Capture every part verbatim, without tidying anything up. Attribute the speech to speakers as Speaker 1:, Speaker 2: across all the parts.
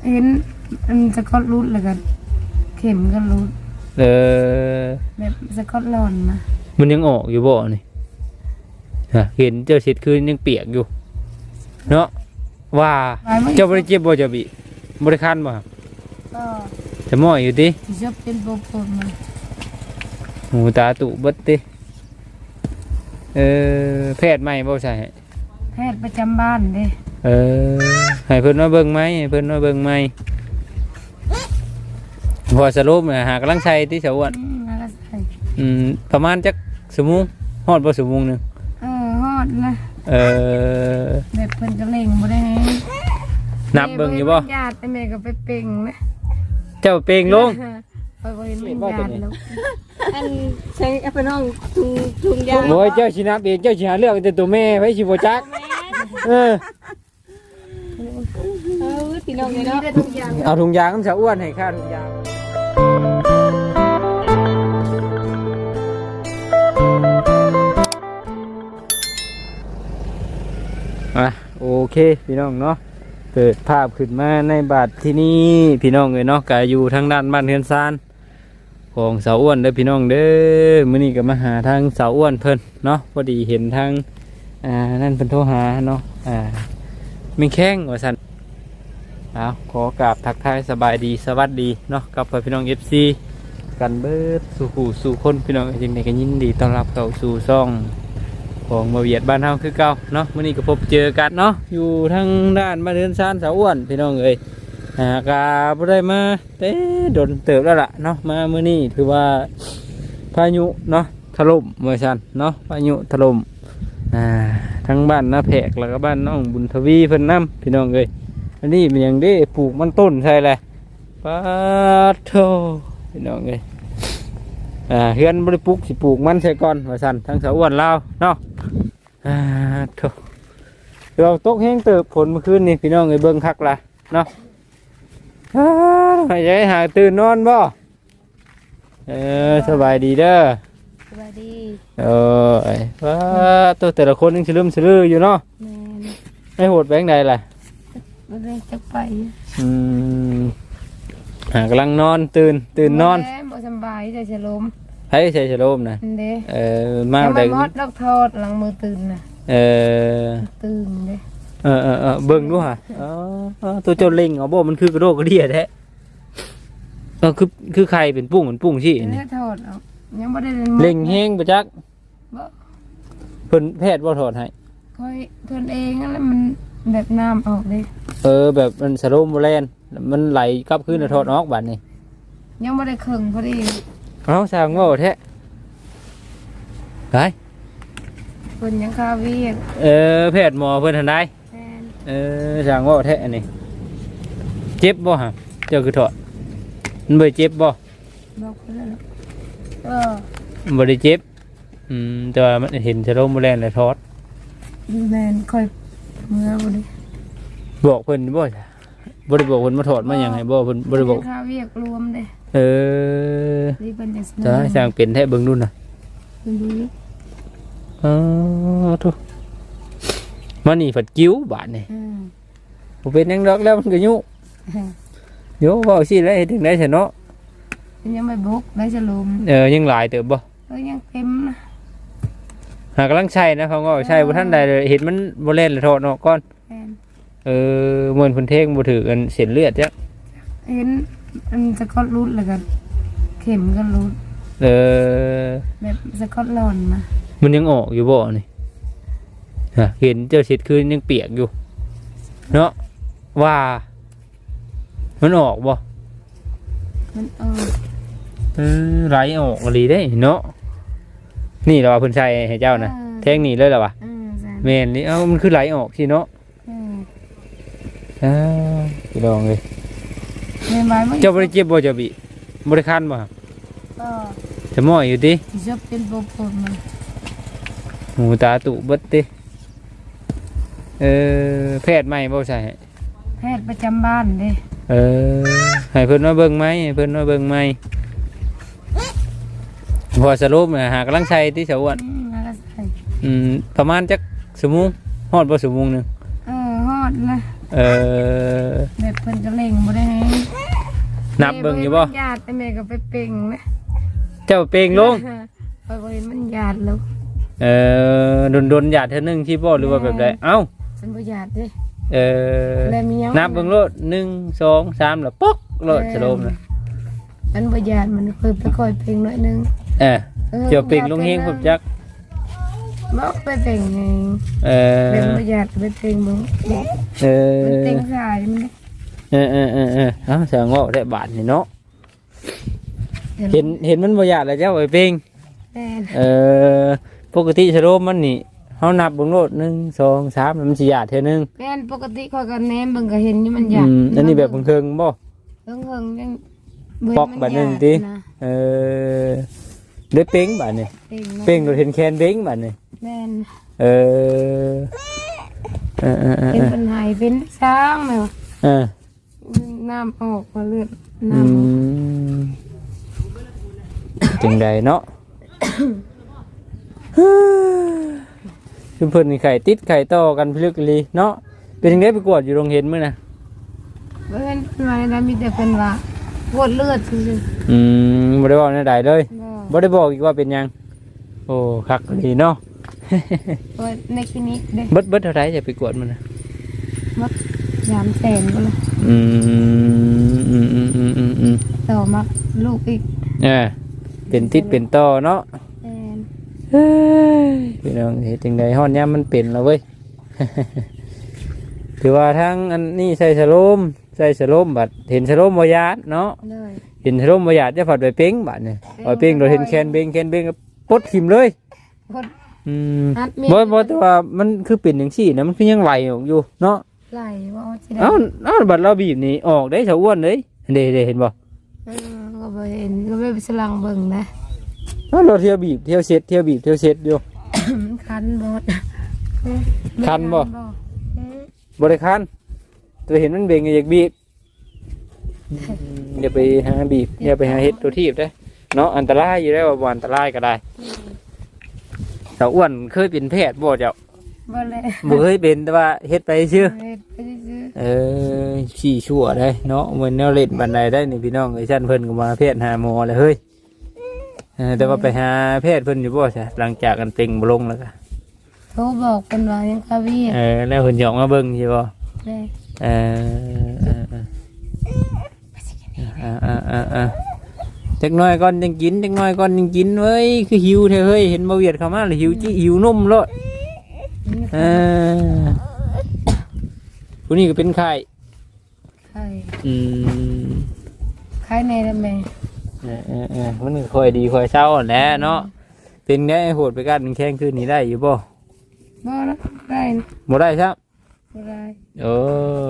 Speaker 1: เห็นมันสกอตรูดเลยกันเข็มก็รูด
Speaker 2: เออ
Speaker 1: แบบสกอตลอนนะ
Speaker 2: มันยังออกอยู่บ่นี่ฮะเห็นเจ้าชิดคือยังเปียกอยู่เนาะว่าเจ้าบริเจ็บบริจบิบริคันบ่
Speaker 1: ก็
Speaker 2: จะมั่วอยู่ดิ
Speaker 1: จะเป็นโบโพนมัน
Speaker 2: หูตาตุบัดติเออแพทย์ใหม่บ่ใช่
Speaker 1: แพทย์ประจำบ้านเด้
Speaker 2: เออให้เพิ่นมาเบิ่งไหมให้เพิ่นมาเบิ่งไหมพอสรุปน่ะหากำลังใช้ที่สะอ้วนอืมประมาณจักชั่วโมงฮอดบ่ชั่วโมงนึง
Speaker 1: เออฮอดนะ
Speaker 2: เออ
Speaker 1: แบบเพิ่นก็เล่งบ่ได้
Speaker 2: นับเบิ่งอยู่บ่
Speaker 1: ญาติแม่ก็ไปเป่งนะ
Speaker 2: เจ้าเป่งลง
Speaker 1: ไปบ่เห็นมีญาติแล้ว
Speaker 3: อันใช้เอาไปน้องทุงทุงยาง
Speaker 2: โอ้ยเจ้าสินับเองเจ้าสิหาเลือกแต่ตัวแม่ไว้สิบ่จักเออ
Speaker 3: เออพี่น้องเนาะ
Speaker 2: เอาถุงยางน้ำสะอ้วนให้ค่าถุงยางอ่ะโอเคพี่น้องเนาะเปิดภาพขึ้นมาในบาทที่นี่พี่น้องเลยเนาะก็อยู่ทางด้านบ้านเฮือนซานของสาวอ้วนเด้อพี่น้องเด้อมื้อนี้ก็มาหาทางสาวอ้วนเพิ่นเนาะพอดีเห็นทางอ่านั่นเพิ่นโทรหาเนาะอ่ามีแข้งว่าซั่นเอาขอกราบทักทายสบายดีสวัสดีเนาะกับพี่น้อง เอฟ ซี กันเบิดสู่หูสู่คนพี่น้องจริงๆก็ยินดีต้อนรับเข้าสู่ช่องของมาเวียดบ้านเฮาคือเก่าเนาะมื้อนี้ก็พบเจอกันเนาะอยู่ทางด้านบ้านเรือนซานสาวอ้วนพี่น้องเอ้ยอ่ากาบ่ได้มาเต้โดนเติบแล้วล่ะเนาะมามื้อนี้ถือว่าพายุเนาะถล่มเมื่อซั่นเนาะพายุถล่มอ่าทั้งบ้านนาแพกแล้วก็บ้านน้องบุญทวีเพิ่นนำพี่น้องเอ้ยอันนี้มันยังได้ปลูกมันต้นใช่แหละปาโธพี่น้องเอ้ยอ่าเฮือนบริปลูกสิปลูกมันใช่ก่อนว่าสั่นทั้งสาวอ้วนลาวเนาะอ่าโธ่เราตกแห้งเติบผลเมื่อคืนนี่พี่น้องเอ้ยเบิ่งคักละเนาะอ่าให้ใจหาตื่นนอนบ่เออสบายดีเด้อ
Speaker 1: สบายดี
Speaker 2: เออไอ้ว้าตัวแต่ละคนยังฉลืมฉลืออยู่เนาะไม่โหดแบงค์ใดล่ะ
Speaker 1: บ่ได้จักไป
Speaker 2: อืมหากำลังนอนตื่นตื่นนอน
Speaker 1: บ่สบายใจฉลม
Speaker 2: ให้ใส่ฉลมนะ
Speaker 1: เด้
Speaker 2: เออมาได้
Speaker 1: มอดดอกทอดหลังมือตื่นน่ะ
Speaker 2: เออ
Speaker 1: ตื่นเด้
Speaker 2: เออเออเออเบิ่งดูฮะอ๋อตัวเจ้าเล็งอ๋อบ่มันคือกระโดดกระเดี่ยแท้เออคือคือใครเป็นปุ้งเหมือนปุ้งสิ
Speaker 1: นี่ทอดเอายังบ่ได้
Speaker 2: เล็งแห้งบ่จัก
Speaker 1: บ่
Speaker 2: เพิ่นแพทย์บ่ถอดให้
Speaker 1: ค่อยเพิ่นเองนั่นแหละมันแบบน้ำออกเลย
Speaker 2: เออแบบมันสโลมแลนมันไหลกลับคืนแล้วถอดออกบัดนี้
Speaker 1: ยังบ่ได้ครึ่งพอดี
Speaker 2: เอ้าสร้างว่าแท้ไป
Speaker 1: เพิ่นยังคาวี
Speaker 2: เออแพทย์หมอเพิ่นทันได้เออสร้างว่าแท้อันนี้เจ็บบ่ฮะเจ้าคือถอดมันบ่เจ็บบ่
Speaker 1: บอกเพิ่นแล้วเออ
Speaker 2: บ่ได้เจ็บอืมแต่ว่ามันเห็นสโลมแลนแล้วถอด
Speaker 1: แม่นค่อยเมื่อบ่ได้
Speaker 2: บอกเพิ่นบ่จ้ะบ่ได้บอกเพิ่นมาถอดมาหยังให้บ่เพิ่นบ่ได้บอก
Speaker 1: ค่าเวียกรวมเด้
Speaker 2: เออ
Speaker 1: นี่เพิ่นจะ
Speaker 2: จ้าสร้างเป็นแท้เบิ่งนู่นน่ะ
Speaker 1: เพิ่นดูนี่
Speaker 2: อ๋อทุมานี่ฝัดกิ้วบาดนี่
Speaker 1: อืม
Speaker 2: บ่เป็นหยังดอกแล้วมันก็ยุโยเว้าสิแล้วเฮ็ดจังได๋ซะเนาะ
Speaker 1: ยังไม่บุกได้ฉลม
Speaker 2: เออยังหลายเติบบ่
Speaker 1: เออยังเต็มนะ
Speaker 2: หากำลังใช้นะเขาก็ใช้บ่ทันใดเลยเห็นมันบ่เล่นแล้วถอดออกก่อนเออเหมือนเพิ่นเท่งบ่ถือกันเส้นเลือดจัก
Speaker 1: เห็นมันสกอตรูดแล้วก็เข็มก็รูด
Speaker 2: เออ
Speaker 1: แบบสกอตลอนนะ
Speaker 2: มันยังออกอยู่บ่นี่ฮะเห็นเจ้าชิดคือยังเปียกอยู่เนาะว่ามันออกบ่
Speaker 1: มันเออ
Speaker 2: เออไหลออกอีหลีได้เนาะนี่เราว่าเพิ่นใช้ให้เจ้านะแท่งนี่เลยเหรอวะแม่นนี่เอ้ามันคือไหลออกสิเนาะอ่าพี่น้องเอ้ยเจ้าบ่ได้เจ็บบ่เจ้าบิบ่ได้คันบ่
Speaker 1: ก็
Speaker 2: จะมั่วอยู่ติ
Speaker 1: จะเป็นโบโพนมัน
Speaker 2: หูตาตุเบิดติเออแพทย์ใหม่บ่ใช่
Speaker 1: แพทย์ประจำบ้านเด้
Speaker 2: เออให้เพิ่นมาเบิ่งไหมให้เพิ่นมาเบิ่งไหมพอสรุปน่ะหากำลังใช้ที่สะอ้วนอืมประมาณจักชั่วโมงฮอดบ่ชั่วโมงนึง
Speaker 1: เออฮอดนะ
Speaker 2: เอเออ
Speaker 1: แบบเพิ่นก็เล่งบ่ได้ให้
Speaker 2: นับเบิ่งอยู่บ่
Speaker 1: แม่ญาติแต่แม่ก็ไปเป่งนะ
Speaker 2: เจ้าเป่งลง
Speaker 1: คอยบ่เห็นมันญาติแล้ว
Speaker 2: เออโดนๆหยาดเท่านึงที่บ่หรือว่าแบบใดเอ้า
Speaker 1: มันบ่ญาติเด้
Speaker 2: เออ
Speaker 1: แล้วมีหยัง
Speaker 2: นับเบิ่งโลดหนึ่ง สอง สามแล้วป๊อกโลดสโลมนะ
Speaker 1: มันบ่ญาติมันเคยไปคอยเป่งหน่อยนึง
Speaker 2: เออเจ้าเป่งลงเฮงผมจัก
Speaker 1: บ่ไปเป่งไง
Speaker 2: เออ
Speaker 1: เป็นบ่ญาติไปเป่งมึง
Speaker 2: เออ
Speaker 1: มันเต็งสายมัน
Speaker 2: เออเออเออเออเอ้าเสียงว่าได้บาทนี่เนาะเห็นเห็นมันบ่หยาดแล้วเจ้าไอ้เป่ง
Speaker 1: แม่น
Speaker 2: เออปกติสโลมมันนี่เฮานับเบิ่งโลดหนึ่ง สอง สามแล้วมันสิหยาดเท่านึง
Speaker 1: แม่นปกติคอยก็แนมเบิ่งก็เห็นอยู่มันญา
Speaker 2: อื
Speaker 1: ติ
Speaker 2: มอันนี้แบบเพิ่งๆบ่
Speaker 1: เพิ่งเพิ่งยัง
Speaker 2: ปอกบัดนึงติ เออได้เป้งบัดนี่
Speaker 1: เป่ง
Speaker 2: เป้งโดยเห็นแคนเบ้งบัดนี่
Speaker 1: แม่น
Speaker 2: เออเออเออเออ
Speaker 1: เป็นปัญหาเป็นช้างแม่ว่า
Speaker 2: เออ
Speaker 1: น้ำออกมาเลือด
Speaker 2: อื
Speaker 1: น้ำ
Speaker 2: มจังใดเนาะ ชุมเพิ่นนี่ไข่ติดไข่ต่อกันพิลึกอีหลีเนาะเป็นจังไดไปกวดอยู่โรงเห็นมื้อน่ะ
Speaker 1: เพิ่นมาแล้วมีแต่เพิ่นว่าปวดเลือดซื่อ
Speaker 2: อืมบ่ได้เว้าแนวใดเลย
Speaker 1: ๆ
Speaker 2: บ่ได้บอกอีกว่าเป็นหยังโอ้คักดีเนาะ
Speaker 1: ปวดในคลินิกเด้
Speaker 2: เบิดเบิดเท่าไหร่จะไปกวดมันน่ะ
Speaker 1: มัดยามแสนก็เลย
Speaker 2: อืมอืมอืมอืมอืมอืม
Speaker 1: ต่อมาลูกอีก
Speaker 2: เออเป็นติดเป็นต่อเนาะ
Speaker 1: แม่น
Speaker 2: เฮ้ยพี่น้องเฮ็ดจังไดฮ้อนยามมันเป็นแล้วเว้ย ถือว่าทั้งอันนี้ใส่สโลมใส่สโลมบัดเห็นสโลมบ่ยาดเนาะ
Speaker 1: เลย
Speaker 2: เห็นสโลมบ่ยาดจะผัดไปเป้งบัดนี่เอาเป้งโดยเห็นแคนเบ้งแคนเบ้งก็ปลดทิ่มเลย
Speaker 1: คน
Speaker 2: อืม
Speaker 1: อัดมี
Speaker 2: บ่บ่แต่ว่ามันคือเป็นจังซี่นะมันคือยังไหลออกอยู่เนาะ
Speaker 1: ไหลว่าสิได้
Speaker 2: เอ้าเอ้าบัดเราบีบนี่ออกได้สะอ้วนเลยเด้ๆเห็นบ่
Speaker 1: เออก็บ่เห็นก็บ่ไปสลังเบิ่งนะ
Speaker 2: เอ้าเราเที่ยวบีบเที่ยวเช็ดเที่ยวบีบเที่ยวเช็ดอยู่
Speaker 1: มันคันบ่
Speaker 2: คันบ่
Speaker 1: เออ
Speaker 2: บ่ได้คันตัวเห็นมันเบ่งก็อยากบีบอย่าไปหาบีบอย่าไปหาเฮ็ดตัวทีบเด้อเนาะอันตรายอยู่แล้วว่าบ่อันตรายก็ได้สาวอ้วนเคยเป็นแพทย์บ่เจ้า
Speaker 1: บ่เลย
Speaker 2: บ่เคยเป็นแต่ว่าเฮ็ดไปซื่อ
Speaker 1: เฮ็ดไปซื้อ
Speaker 2: เออขี้ชั่วได้เนาะเหมือนแนวเล่นบันไดได้นี่พี่น้องไอ้ชั้นเพิ่นก็มาแพทย์หาหมอเลยเฮ้ยเออแต่ว่าไปหาแพทย์เพิ่นอยู่บ่ใช่หลังจากกันเต็งบ่ลงแล้วก็
Speaker 1: โทรบอกเพิ่นว่ายังคาเวีย
Speaker 2: เออแล้วเพิ่นหยอกมาเบิ่งใช่บ่
Speaker 1: แม่
Speaker 2: เออเออเออเออเออเออเออจักหน่อยก่อนยังกินจักหน่อยก่อนยังกินเว้ยคือหิวแท้เฮ้ยเห็นบ่เวียดเข้ามาแล้วหิวจิหิวนมโลดเออผู้นี้ก็เป็นไข้
Speaker 1: ไข่
Speaker 2: อืม
Speaker 1: ไข่ในละแม่
Speaker 2: เออเออเออมันก็ค่อยดีค่อยเศร้าแหละเนาะเป็นไงโหดไปกันแข่งคืนนี้ได้อยู่บ่
Speaker 1: บ่ละได้นะ
Speaker 2: บ่ได้ครับ
Speaker 1: บ่ได้
Speaker 2: เออ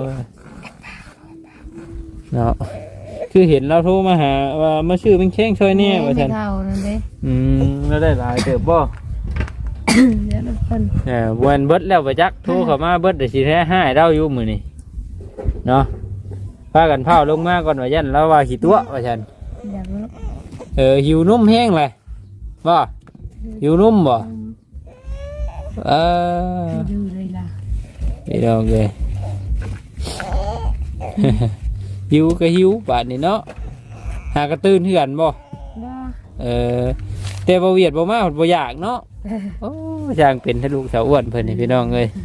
Speaker 2: เนาะคือเห็นเราโทรมาหาว่ามาชื่อเป็นแข่งช่วยแน่ว่า
Speaker 1: ไม่
Speaker 2: ซั่น
Speaker 1: เท่านั่นเด้
Speaker 2: อืมแล้วได้หลายเติบบ่
Speaker 1: เดี๋ยวเพิ่น
Speaker 2: เออบ่แม่นเบิดแล้วบ่จักโทรเข้ามาเบิดได้สิแท้ให้เราอยู่มื้อนี้เนาะพากันเผาลงมาก่อนว่ายันเราว่าขี้ตัวว่าซั่น
Speaker 1: อยากรู้
Speaker 2: เออหิวนมแห้งเลยบ่หิวนมบ่เออ
Speaker 1: ดูเลยล่ะ
Speaker 2: ไม่ดองเลย หิวก็หิวบาดนี่เนาะหากระตื้นเหือนบ่
Speaker 1: บ่
Speaker 2: เออแต่บ่เวียดบ่มาบ่อยากเนาะโอ้ช่างเป็นทะลุสาวอ้วนเพิ่นนี่พี่น้องเอ้ย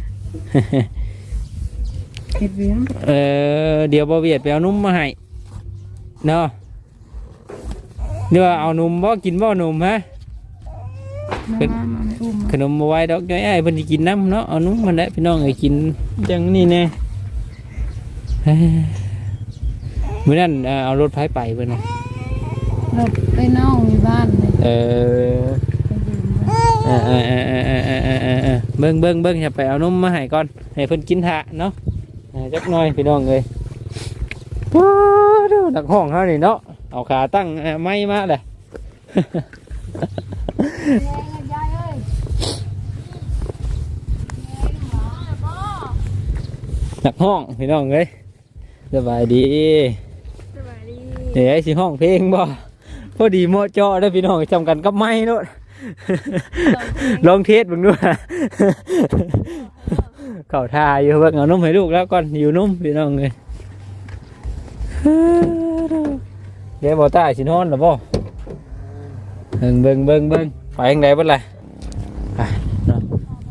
Speaker 1: เฮ็ดเวียง
Speaker 2: เออเดี๋ยวบ่เวียดไปเอานมมาให้เนาะเดี๋ยวเอานมบ่กินบ่นมฮะ
Speaker 1: มามาอุ้ม
Speaker 2: ขนมมาไว้ดอกจ้อยไอ้เพิ่นสิกินน้ำเนาะเอานุ่มมันได้พี่น้องเอ้ยกินจังนี่แน่เฮ้ยมื้อนั้นเอ่อเอารถไผไปเพิ่นน่ะ
Speaker 1: รถไปน้องอยู่บ้านเลย
Speaker 2: เออ
Speaker 1: ไปยืมมา
Speaker 2: เออเออเออเออเออเออเออเออเบิ่งเบิ่งเบิ่งอย่าไปเอานมมาให้ก่อนให้เพิ่นกินทะเนาะอ่าจักหน่อยพี่น้องเอ้ยว้าวเด้อนักห้องเฮานี่เนาะเอาขาตั้งเอ่อไม้มาเลย
Speaker 1: ยายเอ้ย
Speaker 2: นักห้องพี่น้องเอ้ยสบายดี
Speaker 1: สวัสดี
Speaker 2: เดี๋ยวสิห้องเพลงบ่พอดีเหมาะเจาะได้อพี่น้องจำกันกับไม้เนาะ ลองเทสเบิ่งดูเข่าทาอยู่เบิ่งเอานุ่มให้ลูกแล้วก่อนหิวนุ่มพี่น้องเลยเดี๋ยวบ่ตายสินอนหรอบ่เบิ่งเบิ่งเบิ่งเบิ่งไปยังไงบ่ล่ะไปเนาะ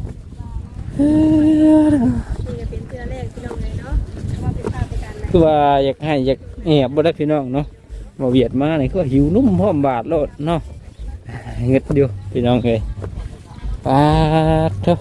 Speaker 3: นี่ก็เป็นเทื่อแรกพี่น้องเลยเนาะว่าเป็นภาพในการไหน
Speaker 2: คือว่าอยากให้อยากแอบบ่ได้พี่น้องเนาะบ่เวียดมานี่ก็หิวนุ่มพร้อมบาดโลดเนาะเงึดอยู่พี่น้องเอ้ยปาดเถอะ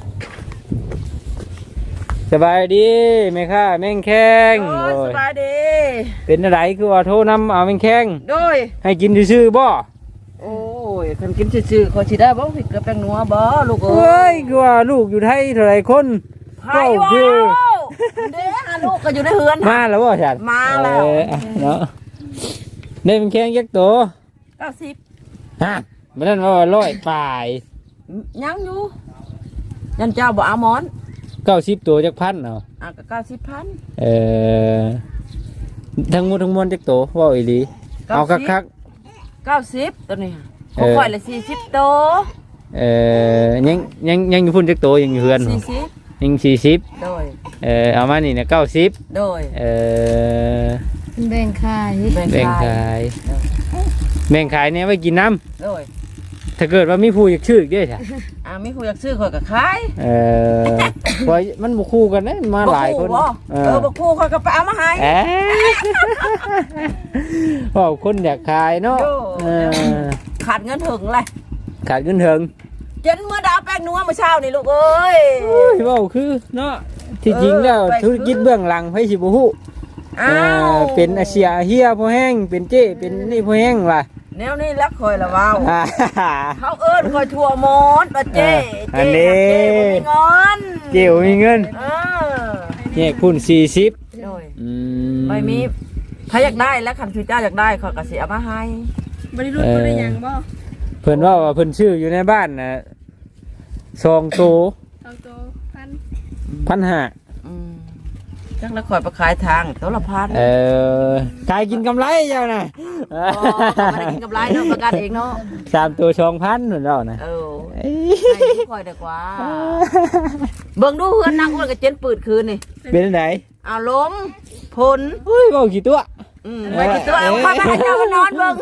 Speaker 2: สบายดีแม่ค่ะแม่งแข้ง
Speaker 4: โอ้ยสบายดี
Speaker 2: เป็นอะไรคือว่าโทรนำเอาแม่งแข้ง
Speaker 4: โดย
Speaker 2: ให้กินซื่อๆบ่
Speaker 4: โอ้ยคันกินซื่อๆขอสิได้บ่ผิดกับแป้งนัวบ่ลูกเอ้
Speaker 2: เอ้
Speaker 4: ย
Speaker 2: ยคือว่าลูกอยู่ไทยเท่าไหรคน
Speaker 4: ไผวะ
Speaker 2: คือ
Speaker 4: เด้อลูกก็อยู่ในเฮือน
Speaker 2: มาแล้วบ่ฉัน
Speaker 4: มาแล้ว
Speaker 2: เอออ่ะเนาะได้แม่งแข้งยักษ์โต
Speaker 4: เก้าสิบ
Speaker 2: ฮะมันนั่นว่าร้อยปลาย
Speaker 4: ยังอยู่ยันเจ้าบ่เอาหมอน
Speaker 2: เก้าสิบตัวจักพันเนาะ
Speaker 4: อ่ะก็เก้าสิบพัน
Speaker 2: เออทั้งหมดทั้งมวลจักโตว่าอีหลีเอาคัก
Speaker 4: เก้าสิบตัวนี้
Speaker 2: เอ
Speaker 4: บ่
Speaker 2: อ
Speaker 4: ค่อยละสี่สิบโต
Speaker 2: ๆเออยังยังยังอยู่พุ่นจักโตยังอยู่เฮือน
Speaker 4: สี่สิบ
Speaker 2: ยังสี่สิบ
Speaker 4: โดย
Speaker 2: เออเอามานี่นะเก้าสิบ
Speaker 4: โดย
Speaker 2: เออ
Speaker 1: แบ่งขาย
Speaker 4: แบ่ง
Speaker 2: แบ่ง
Speaker 4: ขาย
Speaker 2: ขายแบ่งขายเนี่ยไว้กินน้
Speaker 4: โดย
Speaker 2: ำถ้าเกิดว่ามีผู้อยากชื่ออีกเด้วยใช่
Speaker 4: อ่ะมีผู้อยากซื้อข่อยก็ขาย
Speaker 2: เออเพราะมันบุคู่กันนะมาหลายคน
Speaker 4: บ่
Speaker 2: เอ
Speaker 4: เอ
Speaker 2: อ
Speaker 4: อบ่คู่ข่อยก็ไปเอามาให้
Speaker 2: เอ๊ะเพราะคนอยากขายเนาะ
Speaker 4: โย่
Speaker 2: เออ
Speaker 4: ขาดเงินถึงเลย
Speaker 2: ขาดเงินเถิง
Speaker 4: จนเมื่อดาวแป้งนัวเมื่อเช้านี่ลูกเอ้ย
Speaker 2: เฮ้ยเว่าคือเนาะที่จริงแล้ว
Speaker 4: เออไปคือ
Speaker 2: ธุรกิจเบื้องหลังไผสิบ่ฮู้
Speaker 4: อ้า
Speaker 2: เอ
Speaker 4: ว
Speaker 2: อเป็นอาเซียเฮียพอแห้งเป็นเจ้เป็นนี่พอแห้งว่ะ
Speaker 4: แนวนี้รักคอยละว้าว
Speaker 2: อ่า
Speaker 4: เขาเอิ้นคอยทั่วหมดว่าเจ้
Speaker 2: เอออัน
Speaker 4: เจ้
Speaker 2: นี้
Speaker 4: เจ้บ่มีเงิน
Speaker 2: เกี่ยวมีเงิน
Speaker 4: เออ
Speaker 2: แยกพุ่นสี่สิบ
Speaker 4: โดย
Speaker 2: อื
Speaker 4: ไม่มีถ้าอยากได้แล้วคันคือเจ้าอยากได้ขอยก็สิเอามาให้
Speaker 3: บริรุษบ่ได้หยังบ่
Speaker 2: เพิ่นว่าว่าเพิ่นชื่ออยู่ในบ้านน่ะซองโต
Speaker 3: เอาโตพัน
Speaker 2: พันห้า
Speaker 4: อืมจังแล้วคอยไปขายทางตัวละพัน
Speaker 2: เออขายกินกำไรเจ้าน่ะ
Speaker 4: โอ้ไม่ได้กินกำไรเนาะประกันเองเนาะ
Speaker 2: สามตัวสองพันเหมือนเรานะ
Speaker 4: เออ
Speaker 2: เอ้ย
Speaker 4: ให้ทุกคอยดีกว่าเบิ่งดูเฮือนนางอ้วนกับเจนปืดคืนนี่
Speaker 2: เป็นไหน
Speaker 4: เอาล้มพล
Speaker 2: เฮ้ยบอกกี่ตัว
Speaker 4: อืมไว้กี่ตัวเอาเข้าไปให้เจ้ามานอนเบิ่ง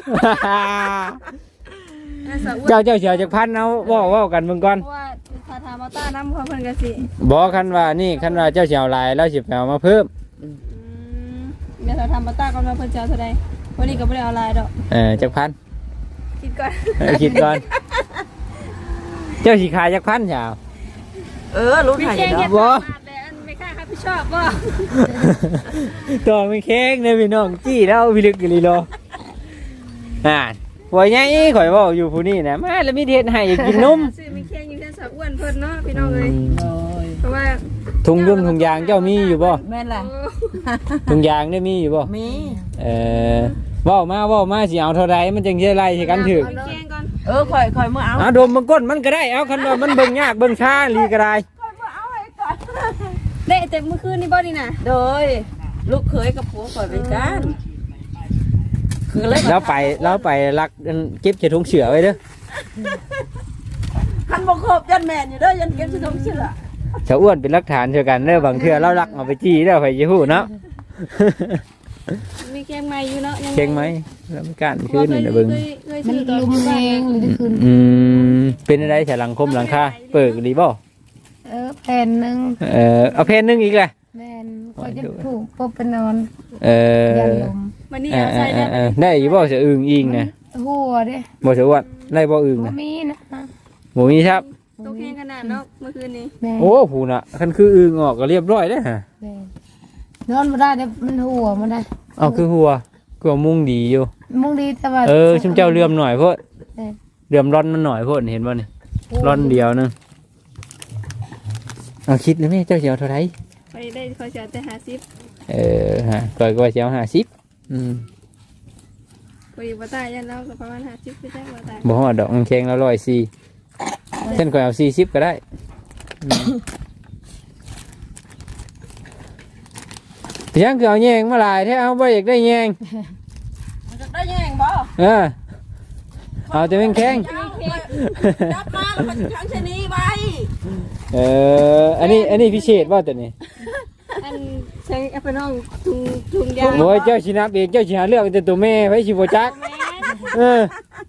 Speaker 3: น่าสะอ้วน
Speaker 2: เจ้าเจ้าเสียวจากพันเอาบอกว่ากันเบิ่งก่อน
Speaker 3: เพราะว่าถ้าถามเอาต้าน้ำเขาเพิ่นก็สิ
Speaker 2: บอกคันว่านี่คันว่าเจ้าเสียวหลายแล้วสิไปเอามาเพิ่ม
Speaker 3: อืมเดี๋ยวถ้าทำเอาต้าก็มาเพิ่นจะเอาเท่าใดวันนี้ก็บ่ได้เอาหลายดอก
Speaker 2: เออจากพัน
Speaker 3: คิดก่อน
Speaker 2: เออคิดก่อน เจ้าสีขายจากพันเสียว
Speaker 4: เออรู้
Speaker 3: มี
Speaker 4: ถ่ายอ
Speaker 3: แค่
Speaker 4: ยู่
Speaker 3: เฮ็ด
Speaker 4: เนาะ
Speaker 3: บาทแต่อันไม่กล้ารับผิดชอบบ่
Speaker 2: ตัวไม่แข็งเลยพี่น้องจี้แล้วพี่ลึกกี่ลีโลอ่าหัวใหญ่ข่อยเว่าอยู่ผู้นี้นะมาแล้วมีเทศให้อยากกินนม
Speaker 3: ซื้อมีแค่อยู่แค่สะอ้วนเพิ่นเนาะพี่น้องเอ้ย
Speaker 4: โอ้ย
Speaker 3: เพราะว่า
Speaker 2: ถุงยุ่มถุงยางเจ้ามีอยู่บ่
Speaker 4: แม่นแหละ
Speaker 3: โอ้
Speaker 2: ถุงยางได้มีอยู่บ่
Speaker 4: มี
Speaker 2: เออเว้ามาเว้ามาสิเอาเท่าไรมันจึงจะไล่สิกันถึก
Speaker 3: เอาแกงก่อน
Speaker 4: เออคอยคอยเมื่อเอา
Speaker 2: เอาดมมันก้นมันก็ได้เอาคันว่ามันเบิ่งยากเบิ่งช้าลีก็ได้
Speaker 3: ได้แต่เมื่อคืนนี่บ่นี่น่ะ
Speaker 4: โดยลูกเคยกับผัวคอยไปกันคือเลย
Speaker 2: แล้วไปแล้วไปรักอันเก็บใส่ถุงเสือไว้เด้อ
Speaker 4: คันบ่ครบยันแม่นอยู่เด้อยันเก็บสิทงเชื่อ
Speaker 2: ชาวอ้วนเป็นหลักฐานเท่ากันเด้อบางเทื่อเรารักเอาไปจี้เด้อไผสิฮู้เนาะ
Speaker 3: มีแกงใหม่อยู่เนาะยัง
Speaker 2: เก่งไหมแล้วมันการคืนนี่นะเบิ่ง
Speaker 3: เคยเคย
Speaker 1: มัน
Speaker 3: ซื้อตอน
Speaker 1: ลุม
Speaker 3: อยู่
Speaker 1: เอ
Speaker 3: บ้าน
Speaker 1: งหรือจะคืน
Speaker 2: อืมเป็นอะไรฉลังคมหลังคาเปิดดีบ่
Speaker 1: เออแผ่นหนึ่ง
Speaker 2: เออเอาเพนหนึงอีกแหละ
Speaker 1: แม่นก็จะถูกปบไปนอน
Speaker 2: เออ
Speaker 1: ยันลม
Speaker 3: วันนี้
Speaker 2: เอ
Speaker 3: เอา
Speaker 2: อเอ
Speaker 3: ใส่
Speaker 2: อ
Speaker 3: ได้
Speaker 2: เออได้อยู่บ่จะอึ่งอิงนะ
Speaker 1: หัวเด้
Speaker 2: บ่จะอ้วนได้บ่อึ่ง
Speaker 1: บ่
Speaker 2: นะ
Speaker 1: มีนะ
Speaker 2: บ่มีครับ
Speaker 3: ตกแห้งขนาดเนาะเมื่อคืนนี้
Speaker 1: แม่
Speaker 2: โอ้ผู้น่ะคันคืออึ่งออกก็เรียบร้อยเด้อฮะ
Speaker 1: แม่นอนบ่ได้เด้มันหัวมันได้
Speaker 2: เอาคือหัวกลัวมุ่งดีอยู่
Speaker 1: มุงดีแต่ว่า
Speaker 2: เออชุมเจ้าเลื่อมหน่อยโพด
Speaker 1: เออ
Speaker 2: เลื่อมร่อนมันหน่อยโพดเห็นบ่นี่ร่อนเดียวนึงเอาคิดเลยแม่เจ้าสิเอาเท่าไหร่
Speaker 3: ไปได้คอยเสียแต่ห้าสิบ
Speaker 2: เออฮะก่อยก็ว่าสิเอาห้าสิบอืม
Speaker 3: ไปอยู่บ่ตายยันเราก็ประมาณห้าสิบไปได้บ่ตาย
Speaker 2: บ่ฮอดดอกมันแข็งแล้วร้อยสี่เส้นก่อยเอาสี่สิบก็ได้อืมเพียงคือเอาแยงมาหลายแท้เอาบ่อยากได้แยง
Speaker 4: มันจะได้แย่งบ่
Speaker 2: เออเอาแต่แม่งแข็ง
Speaker 4: จับมาแล้วมันทั้งชะนีไว้
Speaker 2: เอออันนี้อันนี้พิเศษบ่ตัวนี้
Speaker 3: อันใช้แอปเปิลน้องทุงทุงยาง
Speaker 2: โอ้ยเจ้าสินับเองเจ้าสิหาเลือกแต่ตัวแม่ไว้สิบ่จักเออ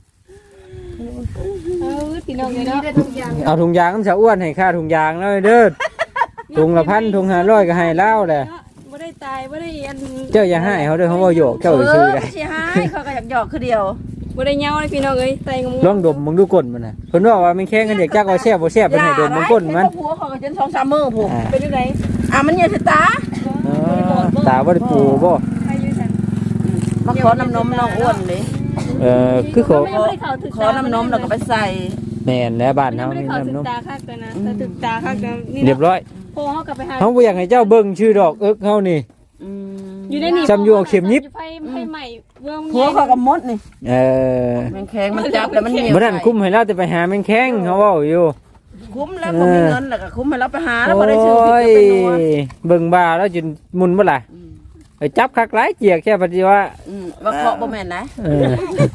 Speaker 3: เออพี่น้องเลยเนาะ
Speaker 2: เอาถุงยางน้ำสาวอ้วนให้ค่าถุงยางแล้วเด้อถุงละพันถุงห้าร้อยก็ให้เล่าแหละ
Speaker 3: บ่ได้ตายบ่ได้อัน
Speaker 2: เจ้าอย่าให้เขาเด้อเขาบ่โยกเจ้าไปซื้อ
Speaker 4: เออ
Speaker 2: ได้
Speaker 4: ไม่ใช่ให้เขาก็อยากหยอกคือเดียว
Speaker 3: บ่ได้เหงาเลยพี่น้องเอ้ยไตงง
Speaker 2: ลองดมมึงดูก้นมันน่ะเพิ่นว่าว่ามันแข็งกันเด็กจักว่าแซ่บบ่แซ่บเพิ่นให้ดมมึงก้นมัน
Speaker 4: ผัวเขาก็จนสองสามมื้อผูก
Speaker 2: อ่า
Speaker 3: เป็นจังได๋
Speaker 4: อ่ะมันเหยียดตา
Speaker 2: เออตาบ่ได้ปูบ่
Speaker 3: ใครอยู่ซั่น
Speaker 4: มาขอน้ำนมน้องอ้วนเลย
Speaker 2: เออคือเขา
Speaker 3: ไม่ได้เข้าถึก
Speaker 4: ขอน้ำนมแล้วก็ไปใส่
Speaker 2: แม่นแล้วบ้าน
Speaker 3: เฮา
Speaker 2: เฮา
Speaker 3: ไม่ได้
Speaker 2: นี่
Speaker 3: เข้าถึ
Speaker 2: น้ำน
Speaker 3: ก
Speaker 2: ม
Speaker 3: ตาคักเลยนะแต่ถึกตาคักแล้วนี่
Speaker 2: เรียบร้อย
Speaker 3: โพเฮากลับไปหา
Speaker 2: เฮาบ่อยากให้เจ้าเบิ่งชื่อดอกเอิกเฮานี่
Speaker 4: อืม
Speaker 3: อยู่ในนี่
Speaker 2: จำอยู่เอาเข็มยิบ
Speaker 3: ไฟไฟใหม่เมือง
Speaker 4: ผัวเขาก็มดนี่
Speaker 2: เออ
Speaker 4: มันแข็งมันจับแล้วมันเหนียว
Speaker 2: บ่นั้นคุ้มให้เราแต่ไปหาแม่งแข็งเขาเว้าอยู่
Speaker 4: คุ้มแล้วบ่มีเงินแล้วก็คุ้มให้เราไปหาแล้ว
Speaker 2: โอ้
Speaker 4: บ่ได้ซื้อผิด
Speaker 2: ย
Speaker 4: ก็เป็นนัว
Speaker 2: เบิ่งบ่าแล้วจนมุนบ่ล่ะไปจับคักหลายเจียกแค่ปฏิว่า
Speaker 4: อืมว่าเคาะบ่แม่นนะ
Speaker 2: เออ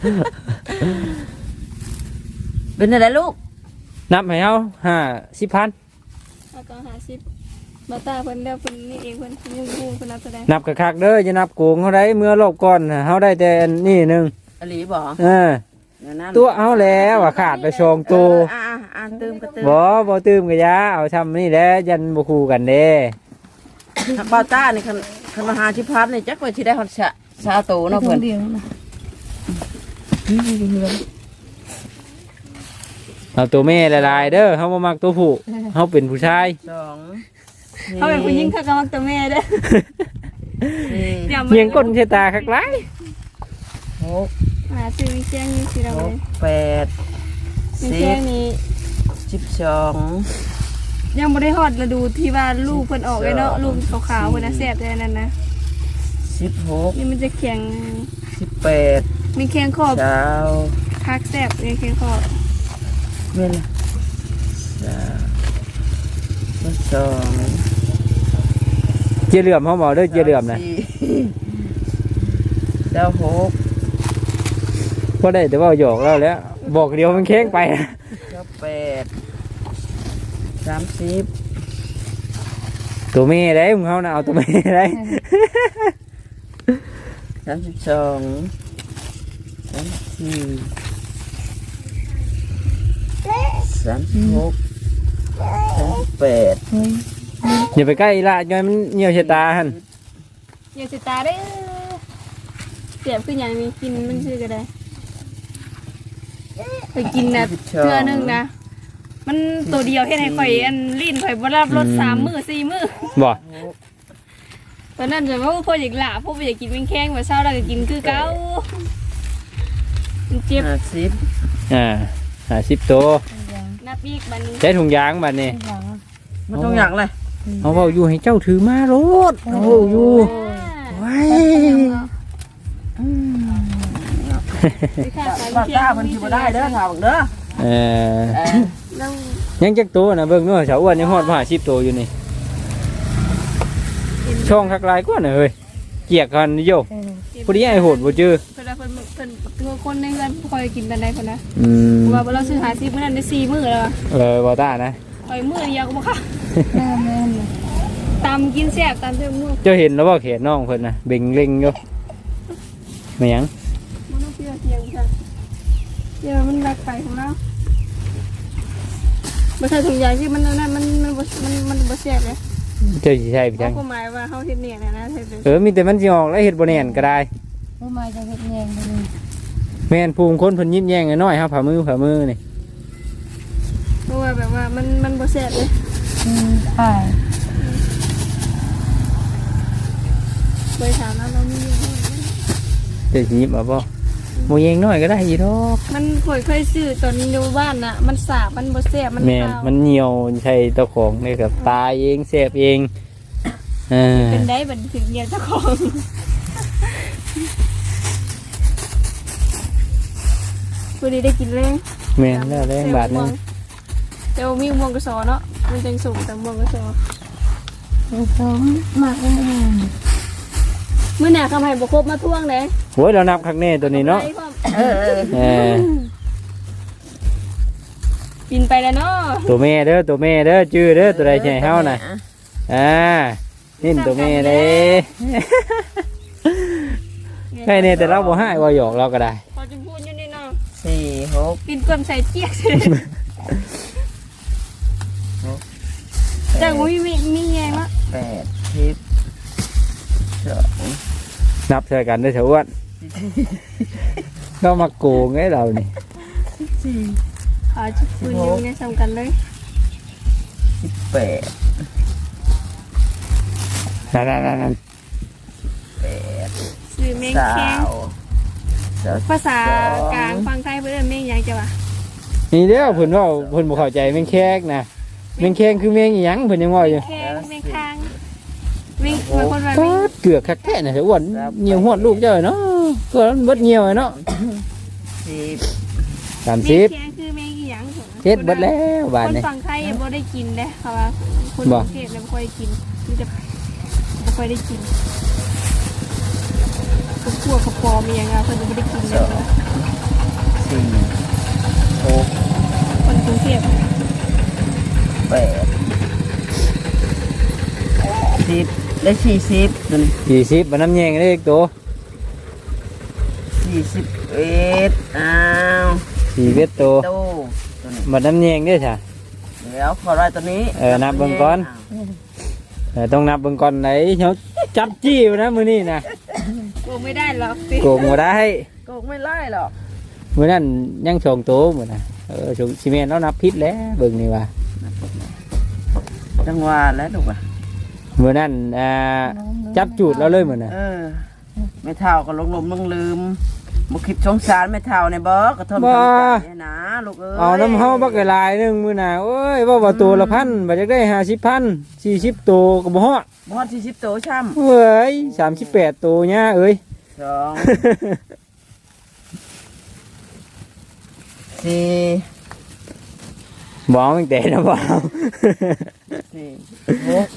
Speaker 4: เป็นอะไรลูก
Speaker 2: นับให้เฮาห้าสิบพัน
Speaker 3: แล้วก็ห้าสิบบ่ตาเพิ่นแล้วเพิ่นนี่เองเพิ่นยังฮู้เพิ่นนับแสดง
Speaker 2: นับคักๆเด้ออย่านับโกงเฮาได้เมื่อรอบก่อนน่ะเฮาได้แต่อันนี่หนึง
Speaker 4: อลีบ่
Speaker 2: เออ
Speaker 4: เดี๋ยวนั้น
Speaker 2: ตัวเฮาแล้วว่าขาดไปสองตัว
Speaker 4: อ่าอ่าตื่มก็ตื่ม
Speaker 2: บ่บ่ตื่มก็อยาเอาทำนี่แหละยันบ่คู่กันเด้
Speaker 4: บาต้านี่คันคันมาหาชิพัดนี่จักว่าสิได้ฮอดชะชาโตเนาะเพิ่น
Speaker 1: เดียวนะ
Speaker 2: เอาตัวแม่หลายๆเด้อเฮาบ่มักตัวผู้เฮาเป็นผู้ชาย
Speaker 4: สอง
Speaker 3: เขาเป็นผู้หญิงเขาก็มักตัวแม่เด้อ
Speaker 4: สี่
Speaker 3: อย่ามา
Speaker 2: เฮียงก้นใส่ตาคักหลาย
Speaker 4: หก
Speaker 3: หาซื้อวิเชียงนี่สิเรา
Speaker 4: ห
Speaker 3: เล
Speaker 4: ก
Speaker 3: ย
Speaker 4: แปด
Speaker 3: วิ
Speaker 4: สิ
Speaker 3: เชียง
Speaker 4: บ
Speaker 3: นี่
Speaker 4: สิบสอง
Speaker 3: ยังบ่ได้ฮอดฤดูที่ว่าลูกเพิ่นออกเลยเนาะลูกขาวๆเพิ่นน่ะแซ่บแต่นั่นนะ
Speaker 4: สิบหก
Speaker 3: นี่มันจะแข็ง
Speaker 4: สิบแปด
Speaker 3: มีแข็งขอบ
Speaker 4: เช้า
Speaker 3: คักแซ่บมีแข็งขอบ
Speaker 4: เม่นสามสอง
Speaker 2: เจียเหลื่อมเฮาบ่เด้อเจียเหลื่อมน่ะ
Speaker 4: สี่เจ้าหก
Speaker 2: บ่ได้แต่ว่าหยอกแล้วแหล้วบอกเดียวมันแข็งไป
Speaker 4: เจ้าแปดสามสิบ
Speaker 2: ตัวแม่ได้มึงเฮาน่ะเอาตัวแม่ได้
Speaker 4: สามสิบสองสามสิบสี่สามสิบหกสามสิบแปด
Speaker 2: อย่าไปใกล้อีละย้อยมันเหี่ยวใส่ตาหั่น
Speaker 3: อย่าสิตาเด้อเสียบคือหยังนี่กินมันซื่อก็ได้ไปกินน่ะเทื่อนึงนะมันตัวเดียวเฮ็ดให้ข่อยอันลิ้นข่อยบ่รับรสสามมื้อสี่มื้อ
Speaker 2: บ่
Speaker 3: ตอนนั้นจะว่าพ่ออยากหลาพ่ออยากกินเป็นแข้งมาเช้าเราก็กินคือเก่ามันเจ็บ
Speaker 4: ห้าสิบ
Speaker 2: อ่าห้าสิบตัว
Speaker 3: นับอีกบัดนี้
Speaker 2: ใช้ถุงยางบัดนี้
Speaker 4: มันต้องอย่างเลย
Speaker 2: เอาเว้าอยู่ให้เจ้าถือมาโลดเอาเว้าอยู่ไว้
Speaker 4: บาต้ามันสิบ่ได้เด้อถามเด้อ
Speaker 2: เออ
Speaker 3: แล้ว
Speaker 2: ยังจักตัวนะเบิ่งเนาะสาวอ้วนยังฮอดมาห้าสิบตัวอยู่นี่ช่องคักลายกว่าน่ะเฮ้ยเกียกกันโยผู้ใหญ่โหดบ่เจอ
Speaker 3: เพิ่นเพิ่นเพิ่นตัวคนในเรือนคอยกินตอนใดเพิ่นนะ
Speaker 2: อืม
Speaker 3: ว่าเราซื้อหาซิมื้อนั้นได้สี่มื้อแล้ว
Speaker 2: เออบ่ต้านะ
Speaker 3: ข่อยมื้อเดียวก็บ่ค่ะ
Speaker 1: แม่แม่น
Speaker 3: ตำกินแซ่บตำเท่ามื้อ
Speaker 2: เจ้าเห็นแล้วบ่เขนน้องเพิ่นน่ะเบ่งเล็งอยู่ไม่หยัง
Speaker 3: บ่ต้องเชื่อเที่ยงจ้ะเดี๋ยวมันรักไปของเราบ่ใช่ถุงยางที่มันนั่นมันมันบ่มันมันบ่แซ่บเลย
Speaker 2: เจ้าสิใช่ไปจัง
Speaker 3: เขาหมายว่าเฮาเฮ็ดเนี่ยนะนะเฮ็ด
Speaker 2: เออมีแต่มันสิออกแล้วเฮ็ดบ่แน่นก็ได้
Speaker 1: ผู้มาจะเฮ็ดแยงไปเลย
Speaker 2: แม่นภูมิคนเพิ่นยิ้มแย้งน้อยๆครับผ่ามือผ่ามือนี่
Speaker 3: เพราะว่าแบบว่ามันมันบ่แซ่บเลย
Speaker 1: อืมใช่
Speaker 3: บริษัทนั้นเรามีอยู่
Speaker 2: เจ้าสิยิ้มเอาบ่บ่แย้งน้อยก็ได้อีดอก
Speaker 3: มันข่อยเคยซื้อตอนอยู่บ้านน่ะ มันสาบมันบ่แซ่บมัน
Speaker 2: แม่น
Speaker 3: ขาว
Speaker 2: มันเหี่ยวใช่เจ้าของนี่กับตายเองแซ่บเองเออ
Speaker 3: เป็นได้บัดถึงเนี่ยเจ้าของวันนี้ได้กินเลย
Speaker 2: แม่นแล้วแรงบาทหนึง
Speaker 3: แต่ว่ามีม่วงกระสอเนาะมันจังสูงแต่ม่วงกระสอ
Speaker 1: สมมากเลย
Speaker 3: มื้อหน้าคำให้บ่ครบมาทวงเด้
Speaker 2: โอ้ยเรานับครั้งแน่ตัวนี้เนาะ
Speaker 3: ไปพร้อม
Speaker 4: เออเออ
Speaker 2: เออ
Speaker 3: กินไปแล้วเนาะ
Speaker 2: ตัวแม่เด้อตัวแม่เด้อจื้อเด้อตัวใดใช่เฮาน่ะอ่านี่ตัวแม่เด้ใช่เนี่ยแต่เราบ่ให้บ่หยอกเราก็ได้
Speaker 3: พอจะพูดอยู่นี่เนาะ
Speaker 4: สี่หก
Speaker 3: กินกลมใส่เจี๊ยกจังมีมีมีแยงละ
Speaker 4: แปดสิบสอง
Speaker 2: นับใส่กันได้อเถอะอ้วนเรามาโกงไงเรานี่
Speaker 4: สี่
Speaker 3: ขอจุดปืนอยู่ในสำกันเลย
Speaker 4: สิบแปด
Speaker 2: นั่นๆ
Speaker 4: แปด
Speaker 3: ซื้อแมง
Speaker 4: สา
Speaker 3: แข้ง
Speaker 4: วสาว
Speaker 3: ภาษากลางฟังไทยเพื่อนแมงยังจะวะ
Speaker 2: ๆนี่เด้อเพิ่นเว่าเพิ่นบ่เข้าใจแมงแคกนะแมงแคงคือแมงอีหยังเพิ่นยังว่าอยู่
Speaker 3: แข้งแมงคางแมงบางคนว่าแม
Speaker 2: ปาง ดเกือกคักแท้น่ะเถอะอ้วนเหนียวหวดลูกเจ้าเนาะก็เบิดเหนียวเนาะ
Speaker 4: สิบ
Speaker 2: สาม
Speaker 3: แม
Speaker 2: สิ
Speaker 3: ง
Speaker 2: บ
Speaker 3: แข้งคือแมงอีหยัง
Speaker 2: เฮ็ดเบิดแล้วบาด
Speaker 3: คน
Speaker 2: นี้
Speaker 3: ฟังไทยบ่ได้กินเด้เขาว่าคนกรุงเทพเนี่ยบ่ค่อยได้กินมันจะบ่ค่อยได้กินพวกกระปอมอย่างเงี้ยเพิ่นบ่ได้กินเลยนะ
Speaker 4: สี่หก
Speaker 3: คนกรุงเทพ
Speaker 4: แปดสิบได้สี่สิบตัวนี้
Speaker 2: สี่สิบบ่น้ำแยงได้อีกตัว
Speaker 4: สี่สิบเอ็ดอ้าว
Speaker 2: สี่เวทตัว
Speaker 4: โตตัวนี้
Speaker 2: บ่น้ำแยงเด้อจ้ะ
Speaker 4: เดี๋ยวขอไล่ตัวนี้
Speaker 2: เออนับเบิ่งก่อน เออต้องนับเบิ่งก่อนไหนเฮาจับจี้อยู่นะมื้อนี้นะ
Speaker 3: โกงไม่ได้หรอกสิ
Speaker 2: โกงบ่ได้
Speaker 4: โกงไม่ไล่หรอก
Speaker 2: มื้อนั้นยังสองตัวมื้อน่ะเออชงสิแม่นเรานับผิดแล้วเบิ่งนี่ว่า
Speaker 4: จังหวะแล้วถูกป่ะ
Speaker 2: มื้อนั้นอ่าจับจูดเราเลยมื้อน่ะ
Speaker 4: เออไม่เท่าก็ลงลมลงลืมบุคิดสงสารไม่เท่าในบ่กระทนกำใจเนี่ยนะลูกเอ้ย
Speaker 2: เอาน้ำเฮาบักหลายๆหนึงมื้อน่ะโอ้ยว่าว่าตัวละพันบ่จักได้ห้าสิบพันสี่สิบตัวก็บ่ฮอด
Speaker 4: บอดสี่สิบโตช่
Speaker 2: เว้ยสามสิบแปดตัวย่าเอ้ย
Speaker 4: ำสองสี่
Speaker 2: บ่เอาตั้งแต่นะบ่เอา
Speaker 4: สี่หก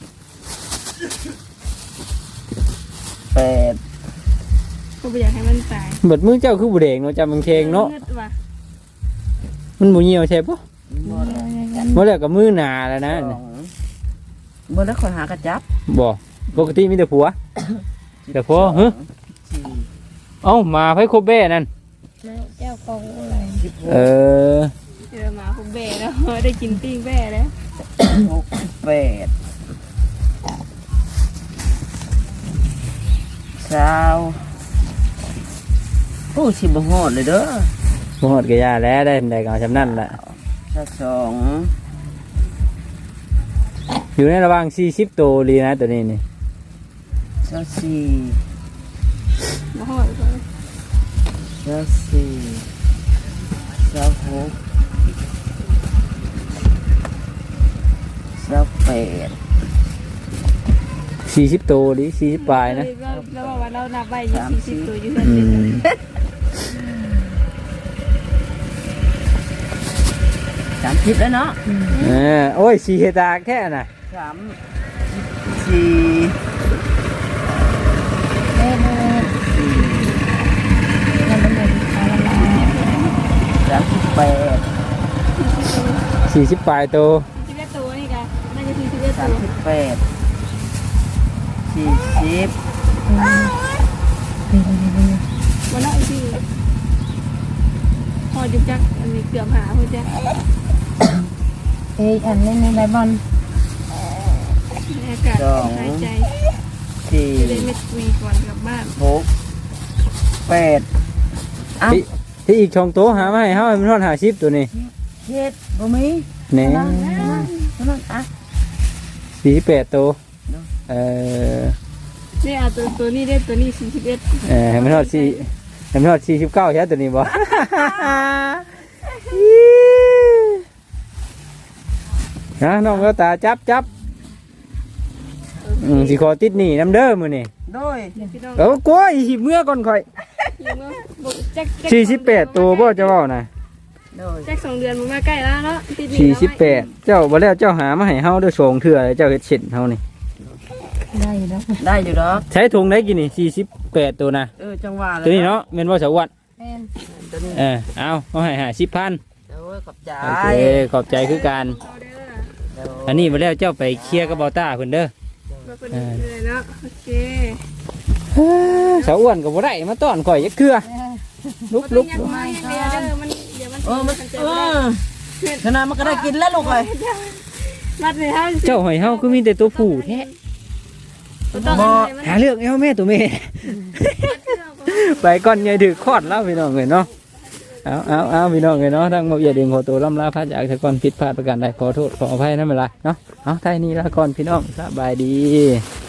Speaker 4: แปด
Speaker 3: ก็บ่อยากให้มันตาย
Speaker 2: เบิดมือเจ้าคือบ่แดงเนาะจำมันแข็งเนาะ
Speaker 3: งึดว่ะ
Speaker 2: มันบ่เหี่ยวใช่ปะ
Speaker 4: บอด
Speaker 2: บ่แล้วก็มือหนาแล้วนะ
Speaker 4: สองเมื่อแล้วคอยหากระจับ
Speaker 2: บ่ปกติมีแต่ผัวแต่พอฮะ
Speaker 4: สี่
Speaker 2: เอ้ามาไผครบแบ่นั่น
Speaker 1: เจ้าของอะไร
Speaker 4: สิบห
Speaker 2: เอก อ
Speaker 3: เจอหมาผมแบ่แล้ว ได้กินปิ้งแบ่แล้ว
Speaker 4: หกแปดเช้าโอ้ชิบหอดเลยเด้อ
Speaker 2: บ่ฮอดก็ยาแล้วได้ได้ก็เอาจำนั้นล่ะ
Speaker 4: เช้าสอง
Speaker 2: อยู่ในระหว่างสี่สิบตัวดีนะตัวนี้นี่
Speaker 4: เช้าสี่
Speaker 3: มาหอดก่อน
Speaker 4: เช้าสี่เช้าหกเช้าแปด
Speaker 2: สี่สิบตัวดีสี่สิบปลายนะ
Speaker 3: เราเราบอกว่าเรานับไว้ยี่สิบตัวอยู่เพื่อน
Speaker 2: อื
Speaker 3: เดียว
Speaker 2: ม
Speaker 4: สามสิบแล้วเนาะ
Speaker 2: เออโอ้ยสีเฮตาแค่น่ะ
Speaker 4: สามสี่
Speaker 1: เอ้ยมันเป็นแบบอะไร
Speaker 4: สามสิบแปด
Speaker 2: สี่สิบปลายตัว
Speaker 3: สิบเอ็ดตัวนี่กันน่าจะสี่สิบเอ็ด
Speaker 4: สา
Speaker 3: ตั
Speaker 4: ม
Speaker 3: ว
Speaker 4: สิบแปดสี่สิบ
Speaker 3: วันละอีกทีพอจุกจักอันนี้เกือบหาเพื่อนจ้ะ
Speaker 1: เอ้ยอันนี้มีใบบอล
Speaker 3: อากาศหายใจ
Speaker 4: สี่
Speaker 3: จะได้ไม่วีก่อนกลับบ้าน
Speaker 4: หกแปดอ้าว
Speaker 2: ที่ที่อีกช่องโตวหามาให้เฮาให้มันฮอดห้าสิบตัวนี้
Speaker 4: เจ็ดบ่มี
Speaker 2: แหน่
Speaker 4: นั่นนั่นอ่ะ
Speaker 2: สี่สิบแปดตัวเออ
Speaker 3: นี่เอาตัวตัวนี้ได้ตัวนี้สี่สิบเอ็ด
Speaker 2: เออให้มันฮอดสี่ให้มันฮอดสี่สิบเก้าใช่ตัวนี้บ่ นะน้องก็ตาจับจับอืมสิขอติดหนี่น้ำเด้อมื้อนี่
Speaker 4: โดย
Speaker 3: พี่น้อง
Speaker 2: เออกล้วยหิบเมื่อก่อนข่อย
Speaker 3: ยิงว่าบอกแจ็ค
Speaker 2: สี่สิบแปดตัวบ่เจ้าเว้านะ
Speaker 4: โดย
Speaker 3: แจ็คสองเดือนมันมาใกล้แล้วเนาะติดหนี้
Speaker 2: สี่
Speaker 3: แล้ว
Speaker 2: สิบแปดเจ้าบ่แล้วเจ้าหามาให้เฮาเด้อสองเทื่อเจ้าเฮ็ดเช่นเฮานี่
Speaker 1: ได้อยู่แล้ว
Speaker 4: ได้อยู่ดอก
Speaker 2: ใช้ถุงได้กี่นี่สี่สิบแปดตัวนะ
Speaker 4: เออจังหวะเลย
Speaker 2: ตัวนี้เนาะแม่นบ่สวัสดิ์
Speaker 1: แม่น
Speaker 4: ตัวนี้
Speaker 2: เออเอาเอาให้ห้าสิบพัน
Speaker 4: โดยขอบใจ
Speaker 2: โอเคขอบใจคือกัน
Speaker 3: เอาเด้อ
Speaker 2: อันนี้มาแล้วเจ้าไปเคลียร์กับเบาต้าเพิ่นเด้อ
Speaker 3: มาเพิ่นเลยเนาะโอเค
Speaker 2: สาวอ้วนก็บ่ได้มาต้อนข่อยยักเคือลุก
Speaker 3: ลุ
Speaker 2: ลุ
Speaker 3: ก
Speaker 2: ก
Speaker 3: ยังมาอย่างเดียวเด้อมันเดี๋ยวมัน
Speaker 4: เออมัน
Speaker 3: เจ
Speaker 4: เอ
Speaker 3: อ
Speaker 4: อขนาดมันก็ได้กินแล้วลูกเอ้ย
Speaker 3: รัดเลยเฮา
Speaker 2: เจ้าหอยเฮาคือมีแต่ตัวผู้แท้
Speaker 3: ต้อง
Speaker 4: บ่
Speaker 2: หาเรื่องเอาแม่ตัวแม่ ไปก่อนใหญ่ถือคอดแล้วพี่น้องเอ้ยเนาะเอาเอาเอาพี่น้องเอ้ยเนาะทั้งหมดอย่าเดียงขอตัวล่ำลาพระจากแต่ก่อนผิดพลาดประการใดขอโทษขออภัยนั่นเป็นไรเนาะเอาไทยนี้ละก่อนพี่น้องสบายดี